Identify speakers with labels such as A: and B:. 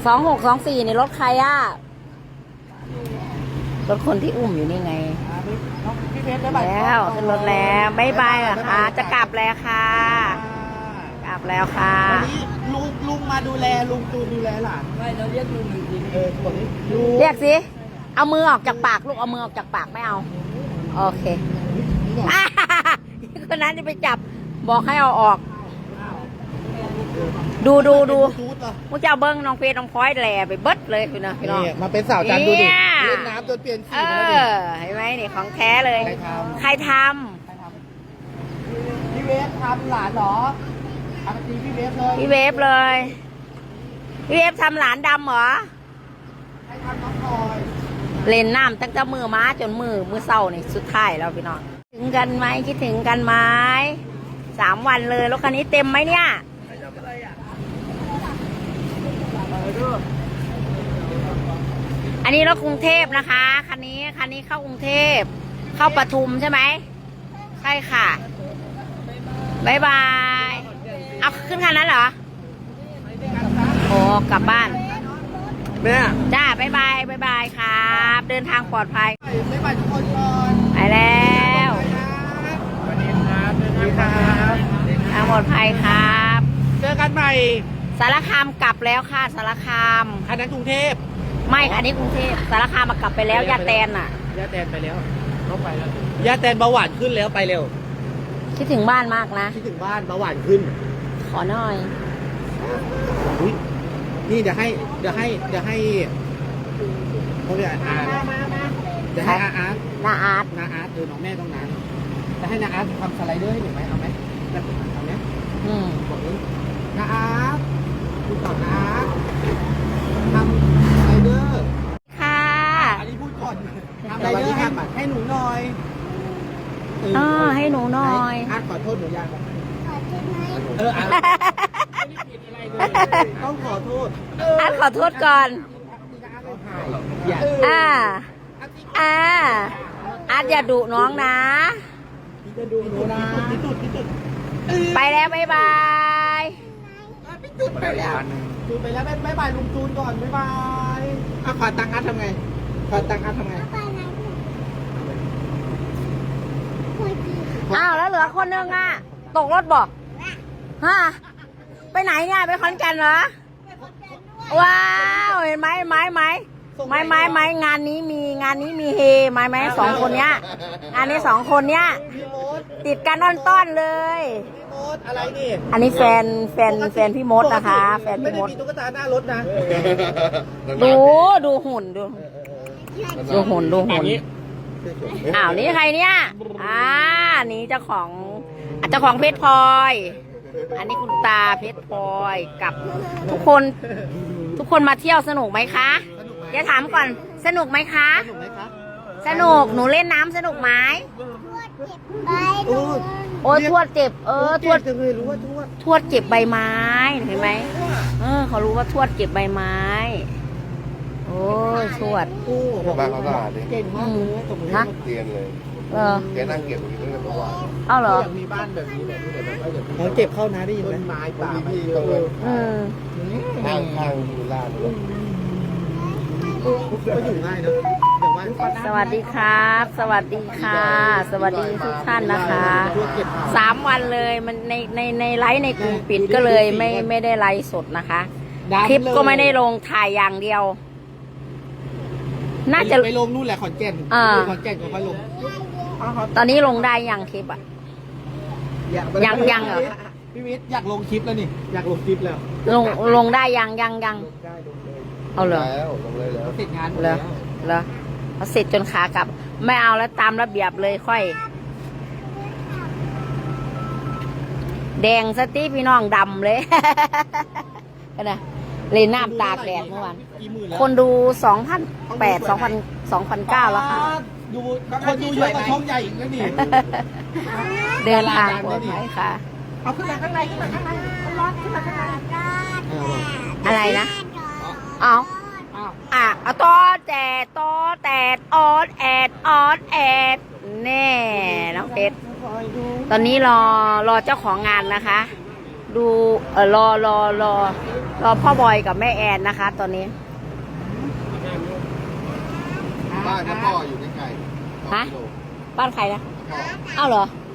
A: 2624นี่รถใครอ่ะรถคนที่อุ้มอยู่นี่ไงแล้วขึ้นรถแล้วบ๊ายบายเหรอคะจะกลับแล้วค่ะกลับแล้วค่ะ
B: วันนี้ลุงมาดูแลลุงจูนดูแลหลานไม่เราเรียกลุงจริงคนนี้
A: เรียกสิเอามือออกจากปากลูกเอามือออกจากปากไม่เอาโอเคคนนั้นจะไปจับบอกให้เอาออกดูมุ้งจะเอาเบิ้งน้องเฟยน้องพลอยแหล่ไปเบิดเลยพี่น้อง
B: มาเป็นสาวจันดูดิเล่นน้ำจนเปลี่ยนสีแล้วดิ
A: เห็นไหมนี่ของแท้เลยใครท
B: ำพี่เวฟทำหลานเหรอทำตีพี่เวฟเลย
A: พี่เวฟทำหลานดำเหรอ
B: ใครทำน้องพลอย
A: เล่นน้ำตั้งแต่มือม้าจนมือเศร้านี่สุดท้ายแล้วพี่น้องถึงกันไหมคิดถึงกันไหม3 วันเลยรถคันนี้เต็มไหมเนี่ยอันนี้รถกรุงเทพนะคะคันนี้เข้ากรุงเทพเข้าปทุมใช่ไหมใช่ค่ะบ๊ายบายเอาขึ้นคันนั้นเหรอโอ้กลับบ้าน
B: แม่
A: จ้าบ๊ายบายครับเดินทางปลอดภัย
B: บ๊ายบายทุกคนก่อน
A: ไปแล้ว
B: สวัสดีครับสวัสดีครับ
A: ทางปลอดภัยครับ
B: เจอกันใหม่
A: สารคามกลับแล้วค่ะสารคาม
B: อันนั้นกรุงเทพ
A: ไม่อันนี้กรุงเทพสารคามมากลับไปแล้วย่าแตนอ่ะ
B: ย่าแตนไปแล้วเขาไปแล้วย่าแตนเบาหวานขึ้นแล้วไปเร็ว
A: คิดถึงบ้านมากนะ
B: คิดถึงบ้านเบาหวานขึ้น
A: ขอหน่อย
B: นี่เดี๋ยวให้เขาเรียกอาร์ตเดี๋ยวให้อาร์ต
A: นาอาร์ต
B: น้องแม่ต้องนั้นจะให้นาอาร์ตทำสไลเดอร์ให้หนูไหมเอาไหมเอาไหมบอกนี้นาอาร์ตดูก่อนนาอาร์ตทำสไลเดอร์
A: ค่ะ
B: อันนี้พูดก่อนทำสไลเดอร์ให้หนูหน่อย
A: ให้หนูหน่อย
B: อาร์ตขอโทษหนูยังอาร์ตต้องขอโทษ
A: อาร์ตขอโทษก่อนอาร์ตอย่าดุน้องนะ
B: จะดูหนูนะ
A: ไปแล้วบ๊ายบาย
B: พี่จุดไปแล้วบ๊ายบายลุงจูนก่อนบ๊ายบายขอตังค์อาร์ตทำไง
A: อ้าวแล้วเหลือคนนึงอ่ะตกรถบอกฮะไปไหนเนี่ยไปขอนแก่นเหรอว้าวเห็นไหมงานนี้มีเฮไหม2 คนเนี้ยงานนี้2 คนเนี้ยติดกันต้อนเลย
B: อะไรนี่
A: อันนี้แฟนพี่มดนะคะแฟนพี่มด
B: ไม่ได้มีตุ๊กตาหน้ารถนะ
A: ดูหุ่นอ้าวนี่ใครเนี่ยนี่เจ้าของเพชรพลอยอันนี้คุณตาเพชรพลอยกับทุกคนมาเที่ยวสนุกไหมคะเดี๋ยวถามก่อนสนุกไหมคะสนุกหนูเล่นน้ำสนุกไหมโอ้ยทวดเจ็บทวดเจ็บใบไม้เห็นไหมเขารู้ว่าทวดเจ็บใบไม้โอ้ยทวด
C: บ้านเขาสะอาดดิ
B: เก่งมากเลย
A: ฮะ
C: เตียนเลยแกนั่งเก็บอยู่ตั้งแต่เมื่อวาน
A: เอาเหรอ
B: มีบ้านแบบนี้เลยเขาเก็บเข้านะได้ยินไหมไม้ป่า
C: ที่ตรงนั้นข้างดูล่าเลย
B: ก็อยู่ง่ายนะ
A: สวัสดีครับสวัสดีทุกท่านนะคะ3 วันเลยมันในไลฟ์ในกลุ่มปิดก็เลยไม่ได้ไลฟ์สดนะคะคลิปก็ไม่ได้ลงถ่ายอย่างเดียวน่าจะ
B: ไปลงนู่นแหละขอนแก่นก็ค่อยลง
A: ตอนนี้ลงได้ยังคลิปยังเหรอ
B: พี่วิทย์อยากลงคลิปแล้วนี่อยากลงคลิปแล้ว
A: ลงได้ยังเอาเหรอ
C: ลงเลยแล้ว
B: เสร็จงาน
A: เหรอเขาเสร็จจนขากลับไม่เอาแล้วตามระเบียบเลยค่อยแดงสติพี่น้องดำเลยนะเลยน้ำตากแดดเมื่อวานคนดู2,900แล้วค่ะ
B: คนดูเยอะกว่าช่องใหญ่อีกแล้วนี่
A: เดินทางปลอดภัยค่ะ
B: เอาขึ้นมาข้างในร้อนขึ้นมาข้างใน
A: อะไรนะเอาตอแตดออดแอดแน่น้องเพชรตอนนี้รอเจ้าของงานนะคะดูรอรอพ่อบอยกับแม่แอนนะคะ ตอนนี้
C: บ้านพ่ออยู่ใกล้ๆ2
A: ฮะ
C: กิโล
A: บ้านใครนะ
C: พ่อ
A: อ้าวเหรอ
C: อ